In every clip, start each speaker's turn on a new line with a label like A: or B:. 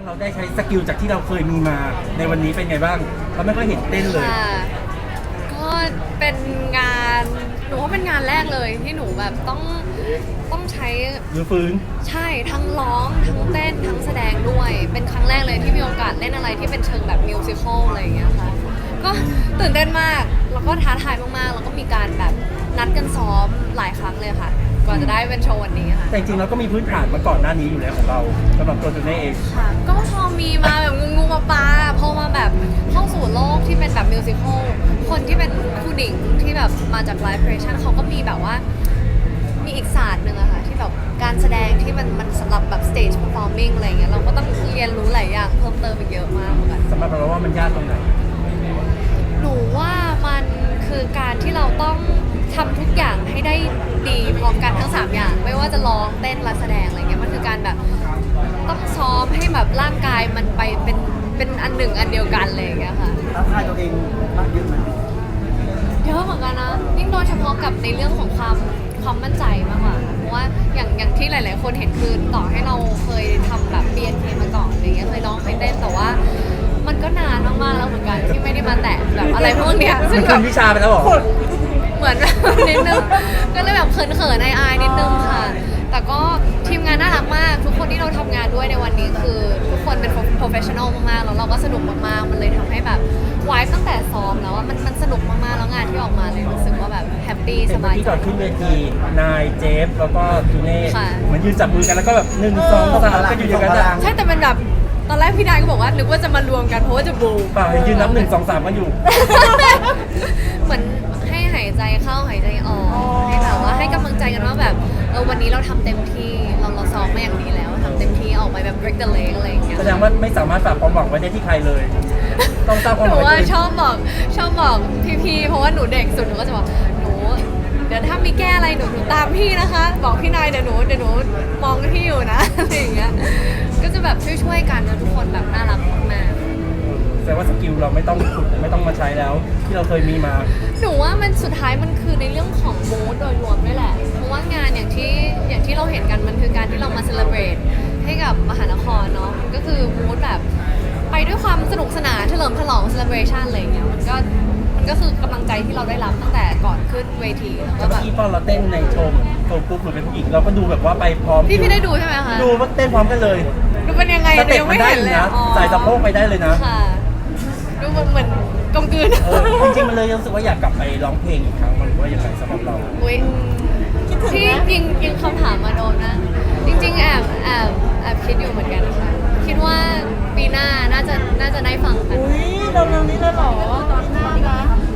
A: เราได้ใช้สกิลจากที่เราเคยมีมาในวันนี้เป็นไงบ้างเราไม่ค่อยเห็นเต้นเลย
B: ค่ะก็เป็นงานหนูว่าเป็นงานแรกเลยที่หนูแบบต้องใช้
A: หรือฟื้น
B: ใช่ทั้งร้องทั้งเต้นทั้งแสดงด้วยเป็นครั้งแรกเลยที่มีโอกาสเล่นอะไรที่เป็นเชิงแบบมิวสิควลอะไรอย่างเงี้ยค่ะก็ตื่นเต้นมากแล้วก็ท้าทายมากๆแล้วก็มีการแบบนัดกันซ้อมหลายครั้งเลยค่ะกว่าจะได้เป็นโชว์วันนี้ค่ะ
A: แต่จริงๆเราก็มีพื้นฐานมาก่อนหน้านี้อยู่แล้วของเราสำหรับตัวจูเน่เอง
B: ค่ะก็พอมีมาแบบงูมาปลาพอมาแบบเข้าสู่โลกที่เป็นแบบมิวสิควลคนที่เป็นผู้หญิงที่แบบมาจากไลฟ์เพรสชั่นเขาก็มีแบบว่ามีอีกศาสตร์หนึ่งอะค่ะที่แบบการแสดงที่มันสำหรับแบบ stage performing อะไรเงี้ยเราก็ต้องเรียนรู้หลายอย่างเพิ่มเติมอีกเยอะมากเหมือนกัน
A: สำหรับเราว่ามันยากตรงไหน
B: หนูว่ามันคือการที่เราต้องทำทุกอย่างให้ได้ดีพร้อมกันทั้ง3อย่างไม่ว่าจะร้องเต้นและแสดงอะไรเงี้ยมันคือการแบบต้องซ้อมให้แบบร่างกายมันไปเป็นอันหนึ่งอันเดียวกันเลยอย่างเงี้ยค่ะ
C: ท้าทายตัวเองมากเยอะไหม
B: เยอะเหมือนกันนะยิ่งโดยเฉพาะกับในเรื่องของความมั่นใจมากกว่าค่ะเพราะว่าอย่างที่หลาย ๆ คนเห็นคือต่อให้เราเคยทำแบบ BNK มาก่อนอะไรเงี้ยเคยร้องเคยเต้นแต่ว่ามันก็นานมากๆแล้วเหมือนกันที่ไม่ได้มาแตะแบบอะไรพวกเนี้ยซึ่
A: มั
B: ง
A: น
B: แบ
A: ขึ้
B: บ
A: นวิชาไปแล้วเหรอ
B: เหมือนแบบนิดนึงก็เลยแบบเขินๆอายๆนิดนึงค่ะ แต่ก็ทีมงานน่ารักมาก ทุกคนที่เราทำงานด้วยในวันนี้คือทุกคนเป็น professional มากๆแล้วเราก็สนุกมากๆมันเลยทำให้แบบวายตั้งแต่ซ้อมแล้วว่ามันสนุกมากๆแล้วงานที่ออกมาเลยรู้สึกว่าแบบแฮปปี้
A: เห็
B: ส
A: นเมื่
B: บา
A: อย กี้
B: ใจ
A: ก่อนขึ้นเวทีนายเจฟแล้วก็จูเน่
B: ค่ะ
A: เหมือนยืนจับมือกันแล้วก็แบบ1 2 3ก็อยู่อย่างนั้นอะ
B: ใช่แต่เป็นแบบตอนแรกพี่นายก็บอกว่านึกว่าจะมารวมกันเพราะว่าจะบูม
A: เปล่าเห็นยืนนับ1 2 3กันอยู่
B: เหมือนให้หายใจเข้าหายใจออกให้แบบว่าให้กำลังใจกันว่าแบบวันนี้เราทำเต็มที่เราซ้อมมาอย่างดีแล้วทำเต็มที่ออกไปแบบ break the leg อะไรอย่างเงี้ย
A: แสดงว่าไม่สามารถฝากความหวังไว้ได้ที่ใครเลย ต้องสร้างความ
B: ห
A: ห
B: นู
A: วังไว้
B: ว่า
A: ที่
B: ชอบบอกพี่ๆเพราะว่าหนูเด็กสุดหนูก็จะบอกหนูเดี๋ยวถ้ามีแก้อะไรหนูตามพี่นะคะ บอกพี่นายเดี๋ยวหนูมองพี่อยู่นะ อะไรอย่างเงี้ยก็จะแบบช่วยๆกันนะทุกคนแบบน่ารักมาก
A: แต่ว่าสกิลเราไม่ต้องขุดไม่ต้องมาใช้แล้ว ที่เราเคยมีมา
B: หนูว่ามันสุดท้ายมันคือในเรื่องของมูดโดยรวมด้วยแหละเพราะว่างานอย่างที่เราเห็นกันมันคือการที่เรามาเซเลบรตให้กับมหานครเนาะมันก็คือมูดแบบไปด้วยความสนุกสนานเฉลิมฉลองเซเลบรชันอะไรอย่างเงี้ยมันก็คือกำลังใจที่เราได้รับตั้งแต่ก่อนขึ้นเวทีแล้วก็
A: เมื่
B: แบ
A: อบ กี้ตอนเราเต้นในโชว์ปุ๊บเหมือนเป็นผู้หญิงเราก็ดูแบบว่าไปพร้อม
B: พี่ได้ดูใช่ไหมคะ
A: ดูว่าเต้นพร้อมกันเลย
B: ดูเป็นยังไง
A: สเต็ป
B: ยัง
A: มั
B: ไม่
A: นได้
B: เห็
A: อน ยู่
B: เลย
A: นะ
B: อ๋อ
A: ใส่สะโพกไปได้เลยนะ
B: ค่ะดูเหมือนกลมกลืน
A: จริงๆมันเลยรู้สึกว่าอยากกลับไปร้องเพลงอีกครั้งมันหรือว่ายังไงสำหรับเรา
B: อุ๊ยที่ยิงคำถามมาโดนนะ จริงๆแอบคิดอยู่เหมือนกันค่ะคิดว่าปีหน้าน่าจะได้ฟังกัน
C: อุ้ยเร็วๆนี้เลยเหรอตอนหน้านะ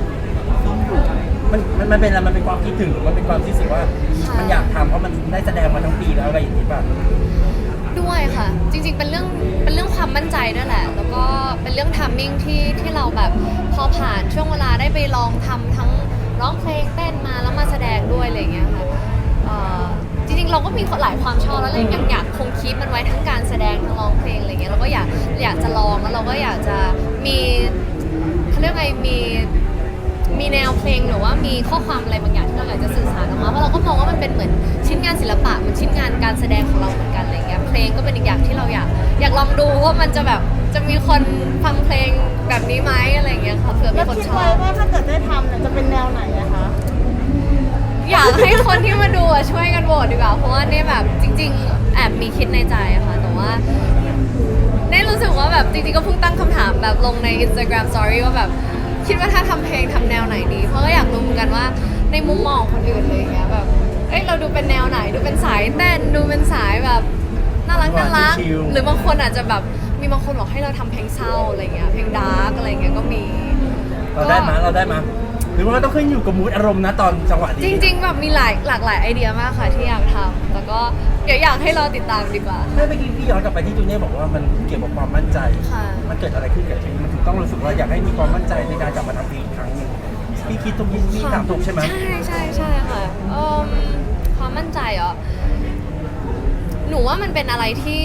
A: มันเป็นอะไรมันเป็นความคิดถึงหรือมันเป็นความที่รู้สึกว่ามันอยากทำเพราะมันได้แสดงมาทั้งปีแล้วอะไรอย่างนี้ป่ะ
B: ด้วยค่ะ จริงๆเป็นเรื่องความมั่นใจด้วยแหละ แล้วก็เป็นเรื่องทัมมิ่งที่เราแบบพอผ่านช่วงเวลาได้ไปลองทำทั้งร้องเพลงเต้นมาแล้วมาแสดงด้วยอะไรอย่างเงี้ยค่ะจริงๆเราก็มีหลายความชอบแล้วเลยยังอยากคงคีปมันไว้ทั้งการแสดงทั้งร้องเพลงอะไรเงี้ยเราก็อยากจะลองแล้วเราก็อยากจะมีเขาเรียกไงมีแนวเพลงหรือว่ามีข้อความอะไรบางอย่างที่เราอยากจะสื่อสารออกมาเพราะเราก็มองว่ามันเป็นเหมือนชิ้นงานศิลปะมันชิ้นงานการแสดงของเราเหมือนกันอะไรเงี้ยเพลงก็เป็นอีกอย่างที่เราอยากลองดูว่ามันจะแบบจะมีคนฟังเพลงแบบนี้ไหมอะไรเงี้ยค่ะเผื่อมี
C: แล้ว
B: คน
C: คิด
B: ชอ
C: ไว้
B: บ
C: ว่าถ้าเกิดได้ทำเนี่ยจะเป็นแนวไหนอะคะ
B: อยากให้คนที่มาดูอะช่วยกันโหวตดีกว่าเพราะว่าเนี่ยแบบจริง ๆ แอบมีคิดในใจอะค่ะแต่ว่าได้รู้สึกว่าแบบจริงๆก็เพิ่งตั้งคำถามแบบลงใน Instagram Story ว่าแบบคิดว่าถ้าทำเพลงทำแนวไหนดีเพราะก็อยากรู้เหมือนกันว่าในมุมมองของคนอื่นเลยอย่างเงี้ยแบบเราดูเป็นแนวไหนดูเป็นสายเต้นดูเป็นสายแบบน่ารัก
A: ชิลๆ
B: หรือบางคนอาจจะแบบมีบางคนบอกให้เราทำเพลงเศร้าอะไรเงี้ยเพลงดาร์กอะไรเงี้ยก็มี
A: เราได้มาหรือว่ามันต้องขึ้นอยู่กับมูดอารมณ์นะตอนจังหวะนี้
B: จริงๆแบบมีหลากหลายไอเดียมากค่ะที่อยากทำแต่ก็เดี๋ยวอยากให้รอติดตามดีกว่า
A: เมื่อกี้พี่ย้อนกลับไปที่จูเน่บอกว่ามันเกี่ยวกับความมั่นใจ
B: ค่ะ
A: มันเกิดอะไรขึ้นกับชีวิตมันถึงต้องรู้สึกว่าอยากให้มีความมั่นใจในการกลับมาทำเพลงอีกครั้งหนึงพี่คิดตรงนี้พี่ถามถูกใช่ไหม
B: ใช่ค่ะความมั่นใจเหรอหนูว่ามันเป็นอะไรที่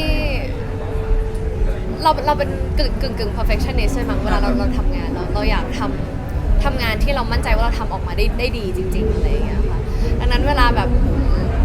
B: เราเป็นกึ่ง perfectionist ใช่ไหมเวลาเราทำงานเราอยากทำงานที่เรามั่นใจว่าเราทำออกมาได้ดีจริงๆอะไรอย่างเงี้ยค่ะดังนั้นเวลาแบบ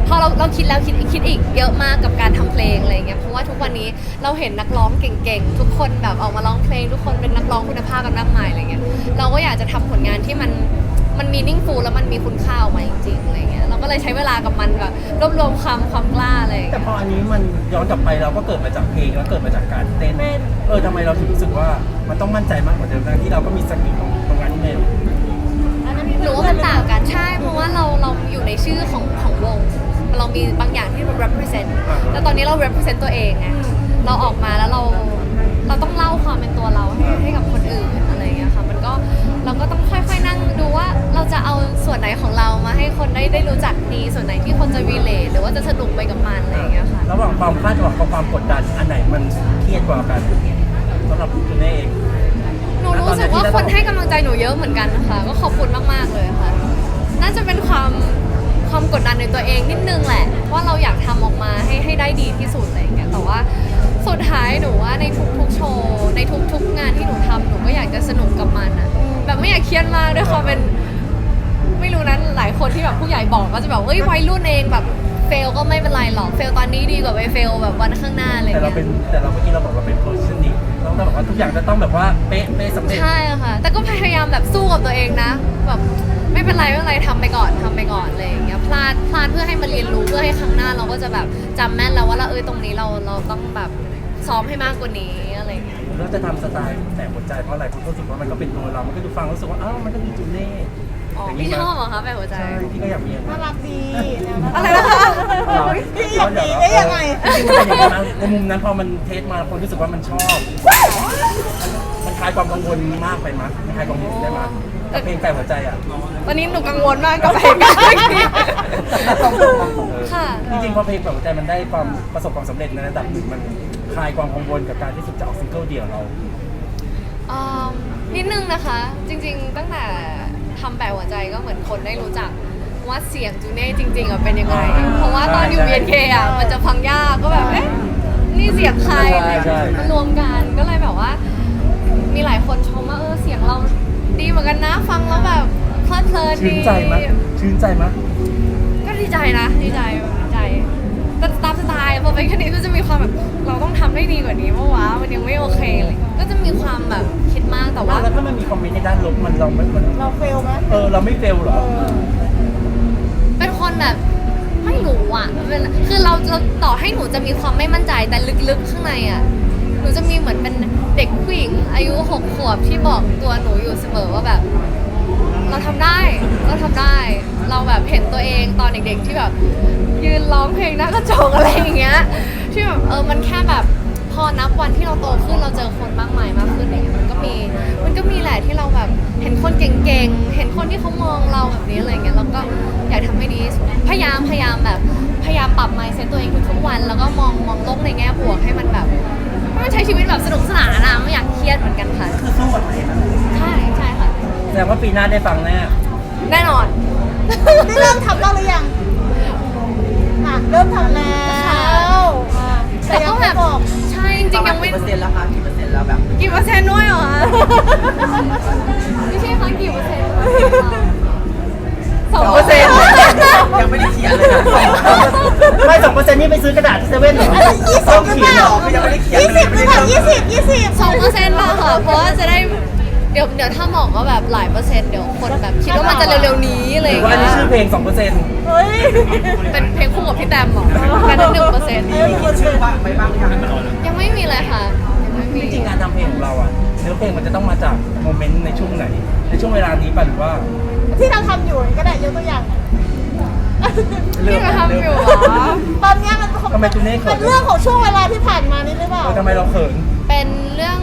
B: พอเราคิดแล้วคิดอีกเยอะมากกับการทำเพลงอะไรเงี้ยเพราะว่าทุกวันนี้เราเห็นนักร้องเก่งๆทุกคนแบบออกมาร้องเพลงทุกคนเป็นนักร้องคุณภาพกันมากมายอะไรเงี้ยเราก็อยากจะทำผลงานที่มันmeaningful แล้วมันมีคุณค่าออกมาจริงๆอะไรเงี้ยเราก็เลยใช้เวลากับมันแบบรวบรวมความกล้าอะไรอย่าง
A: แต่
B: เงี้ย
A: พออันนี้มันย้อนกลับไปเราก็เกิดมาจากเพลงแล้วเกิดมาจากการเต้นทำไมเราถึงรู้สึกว่ามันต้องมั่นใจมากกว่าเดิมทั้งที่เราก็มีสกิลตรงนั้นนี่เอง
B: หนูว่ามันต่างกันใช่เพราะว่าเราอยู่ในชื่อของวงเรามีบางอย่างที่เรา represent แล้วตอนนี้เรา represent ตัวเองไงเราออกมาแล้วเราต้องเล่าความเป็นตัวเราให้กับคนอื่นอะไรอย่างเงี้ยค่ะมันก็เราก็ต้องค่อยๆนั่งดูว่าเราจะเอาส่วนไหนของเรามาให้คนได้รู้จักดีส่วนไหนที่คนจะ relate หรือว่าจะสนุกไปกับมันอะไรอย่างเงี้ยค่ะ
A: ระหว่างความคาดหวังกับความกดดันอันไหนมันเครียดกว่ากันสำหรับคุณเอง
B: หนูรู้สึกว่าคนให้กำลังใจหนูเยอะเหมือนกันนะคะก็ขอบคุณมากๆเลยค่ะน่าจะเป็นความกดดันในตัวเองนิดนึงแหละว่าเราอยากทำออกมาให้ได้ดีที่สุดอะไรอย่างเงี้ยแต่ว่าสุดท้ายหนูว่าในทุกๆโชว์ในทุกๆงานที่หนูทำหนูก็อยากจะสนุกกับมันอะแบบไม่อยากเครียดมากด้วยความเป็นไม่รู้นั้นหลายคนที่แบบผู้ใหญ่บอกก็จะแบบเอ้ยวัยรุ่นเองแบบเฟลก็ไม่เป็นไรหรอกเฟลตอนนี้ดีกว่าไปเฟลแบบวันข้างหน้าอะไรอย่าง
A: แต่เรา
B: เงี้ย
A: เป็นแต่เราเมื่อกี้เราบอกเราเป็น perfectionist เราบอกว่าทุกอย่างจะต้องแบบว่าเป๊ะสำเร็จ
B: ใช่ค่ะ แต่ก็พยายามแบบสู้กับตัวเองนะ แบบไม่เป็นไรทำไปก่อนอะไรอย่างเงี้ยพลาดเพื่อให้มันเรียนรู้เพื่อให้ครั้งหน้าเราก็จะแบบจำแม่นแล้วว่าตรงนี้เราต้องแบบซ้อมให้มากกว่านี้อะไรอย่างเงี้ย
A: เราจะทำสไตล์แต่หัวใจเพราะอะไรคุณก็รู้สึกว่ามันก็เป็นตัวเรา มันก็ดูฟังรู้สึกว่าอ้าวมันก็มีจูเน่
B: อ๋อพี่ชอบเหรอคะแบบหัวใจ
A: ใช่พี่ก็อยากมีอย่าง
C: น่า
A: นั้น
C: รักดี
B: อะไรนะคะ
C: พี่อยากมีได้ยังไง
A: จริงๆมันเป็นอย่างนั้นในมุมนั้นพอมันเทสมาคนรู้สึกว่ามันชอบ มันคลายความกังวลมากไปมั้ยมันคลายความกังวลได้มั้ยกับเพลงแต่หัวใจอ่ะ
B: ตอนนี้หนูกังวลมากกับเพลงกันค่ะ
A: จริงๆพอเพลงแต่หัวใจมันได้ความประสบความสำเร็จในระดับหนึ่งมันคลายความกังวลกับการที่สุดจะออกซิงเกิลเดี่ยวเรา
B: นิดนึงนะคะ จริงๆ ตั้งแต่ทำแบบหัวใจก็เหมือนคนได้รู้จักว่าเสียงจูเน่จริงๆเป็นยังไง เพราะว่าตอนอยู่ BNK มันจะฟังยากก็แบบเอ๊ะนี่เสียงใครอะไรอย่างเงี้ยมันรวมกันก็เลยแบบว่า มีหลายคนชมว่าเสียงเราดีเหมือนกันนะฟังแล้วแบบเพลิดเพลินดี
A: ชื่นใจมั้ย
B: ก็ดีใจนะดีใจแต่ตามสไตล์พอเป็นแค่นี้ก็จะมีความแบบเราต้องทำได้ดีกว่านี้เพราะว่ามันยังไม่โอเคเลยก็จะมีความแบบคิดมากแต่ว่า
A: แล้วถ้ามันมีคอมเมนต์ในด้านลบมันเราไม่
C: เราเฟลไหม
A: เราไม่เฟลหรอ
B: เป็นคนแบบไม่รู้อ่ะคือเราต่อให้หนูจะมีความไม่มั่นใจแต่ลึกๆข้างในอ่ะหนูจะมีเหมือนเป็นเด็กผู้หญิงอายุ6 ขวบที่บอกตัวหนูอยู่เสมอว่าแบบ เราทำได้เราแบบเห็นตัวเองตอนเด็กๆที่แบบยืนร้องเพลงหน้ากระจกอะไรอย่างเงี้ยที่แบบมันแค่แบบพอนับวันที่เราโตขึ้นเราเจอคนมากมายมากขึ้นอย่างเงี้ยมันก็มีแหละที่เราแบบเห็นคนเก่งๆเห็นคนที่เขามองเราแบบนี้อะไรเงี้ยเราก็อยากทำให้ดีที่สุดพยายามปรับ mindset ตัวเองทุกๆวันแล้วก็มองโลกในแง่บวกให้มันแบบให้มันใช้ชีวิตแบบสนุกสนานนะไม่อยากเครียดเหมือนกันค่ะ
A: คือสู้กับตัวเองนะ
B: ใช่ค่ะ
A: แสดงว่าปีหน้าได้ฟังแน่
B: แน่นอน
C: นี่เริ่มทำบ้างหรือยังเริ่มทำแล้วแต่
B: แต่
C: ยั
B: ก็
C: ง
B: แบ
C: ไม่
B: บ
C: บอก
B: ใช่จริงๆยังไม่
D: กี่เปอร์เซ็นต์แล้วคะกี่เปอร์เซ็นต์แล้วแบบ
B: กี่เปอร์เซ็นต์ด้วยเหรอคะไม่ใช่คะกี่เปอร์เซ็นต์2%
D: ยังไม่ได้เขียนเลยนะ
A: ไม่2%นี่ไปซื้อกระดาษที่เซเว่นเหรอ
C: 20หรือเปล่า
D: คือยังไม่ได้เขียน
C: 20หรือเปล่า20
B: 2%ป่ะค่ะเพราะว่าจะได้เดี๋ยวถ้าบอกว่าแบบหลายเปอร์เซ็นต์เดี๋ยวคนแบบคิดว่ามันจะเร็วๆนี้อะไร
A: ห
B: อ
A: รื
B: ย่า
A: อง ว่าอัน
B: เงี้
A: นี้ชื่อย เพลง 2%
C: เฮ้ย
B: เป็นเพลงคู่กับพี่แตมเหรอกัน1%
D: มีคิดชื่อว่าไปบ้างยัง
B: ยังไม่มีเลยค่ะยังไม่มี
A: จริงๆการทำเพลงของเราอ่ะเนื้อเพลงมันจะต้องมาจากโมเมนต์ในช่วงไหน ในช่วงเวลานี้ป่ะหรือว่า
C: ที่เราทำอยู่ก็ได้ยกตัวอย่าง
B: ที่เราทำอยู่เหรอ
C: ตอนนี้มัน
A: ทำไมจูเน่เขิ
C: เป็น นเรื่องของช่วงเวลาที่ผ่านมานี่หรือเปล่า
A: ทำไมเราเขิน
B: เป็นเรื่อง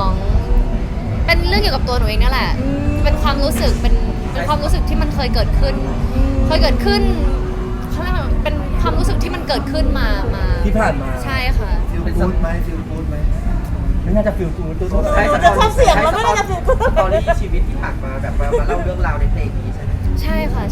B: เกี่ยวกับตัวหนูเองนั่นแหละ เป็นความรู้สึกเป็นความรู้สึกที่มันเคยเกิดขึ้นเขาเรียกว่าเป็นความรู้สึกที่มันเกิดขึ้นมา
A: ที่ผ่านมา
B: ใช่ค่ะ
D: ฟิลกู๊ดไหมฟิลกู๊ดไหม
A: ไม่น่าจะฟิลกูดตัว
D: ใช้
A: เท่า
D: สตอรี่สตอรี่ชีวิตที่ผ่านมาแบบมาเล่าเรื่องราวในเพลงนี้ใช่ไหม
B: ใช่ค่ะ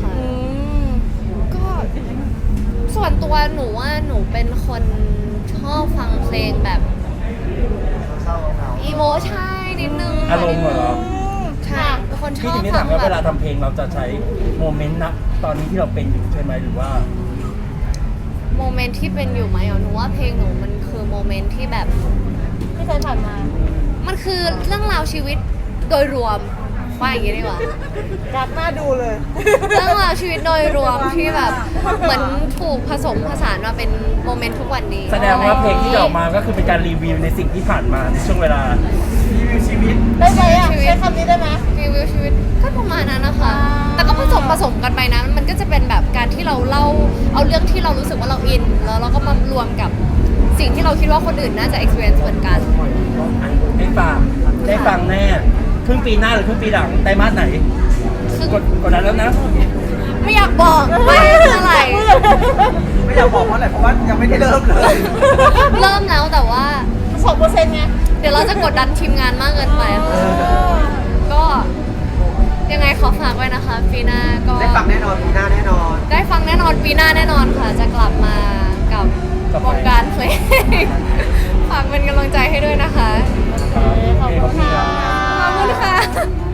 B: ก็ส่วนตัวหนูว่าหนูเป็นคนชอบฟังเพลงแบบ
D: เศร้าเงา
B: อีโมใช่นิดนึง
A: อารมณ์เหรอ
B: ใช่เป็นคนช
A: พี่
B: อบ
A: ถึงได้
B: ฟั
A: ถาง มว่า
B: แบ
A: เวลา
B: บ
A: ทำเพลงเราจะใช้โมเมนต์ณตอนนี้ที่เราเป็นอยู่ใช่ไหมหรือว่า
B: โมเมนต์ที่เป็นอยู่ไหมหนูว่าเพลงหนูมันคือโมเมนต์ที่แบบ
C: ที่เคยผ่านมา
B: มันคือเรื่องราวชีวิตโดยรวมว่าอย่างนี้ดีกว่า
C: รักหน้าดูเลย
B: เรื่องราวชีวิตโดยรวมที่แบบเหมือนถูกผสมผสานมาเป็นโมเมนต์ทุกวันนี้
A: แสดงว่าเพลงที่จะออกมาก็คือเป็นการรีวิวในสิ่งที่ผ่านมาในช่วงเวลารีวิวชีวิต
C: ได้ไหมอ่ะใช้คำนี้ได้ไหม
B: รีวิวชีวิตก็ประมาณนั้นนะคะ แต่ก็ผสมกันไปนะมันก็จะเป็นแบบการที่เราเล่าเอาเรื่องที่เรารู้สึกว่าเราอินแล้วเราก็มารวมกับสิ่งที่เราคิดว่าคนอื่นน่าจะ experience เหมือนกัน
A: ได้ฟังแน่ครึ่งปีหน้าหรือครึ่งปีหลังไตรมาสไหนกดดันแล้วนะ
B: ไม่อยากบอกว่าเมื่อไหร่
D: ไม่อยากบอกเพราะอะไรเพราะว่ายังไม่ได้เริ่มเลย
B: เริ่มแล้วแต่ว่า
C: 2%ไง
B: เดี๋ยวเราจะกดดันทีมงานมากเกินไปค่ะก็ยังไงขอฝากไว้นะคะปีหน้าก็
D: ได้ฟังแน่นอนปีหน้าแน่นอน
B: ได้ฟังแน่นอนปีหน้าแน่นอนค่ะ จะกลับมากับวงการเพลง ฝากเป็นกำลังใจให้ด้วยนะคะ
C: ขอบคุณค่ะ
B: ขอบคุณค่ะ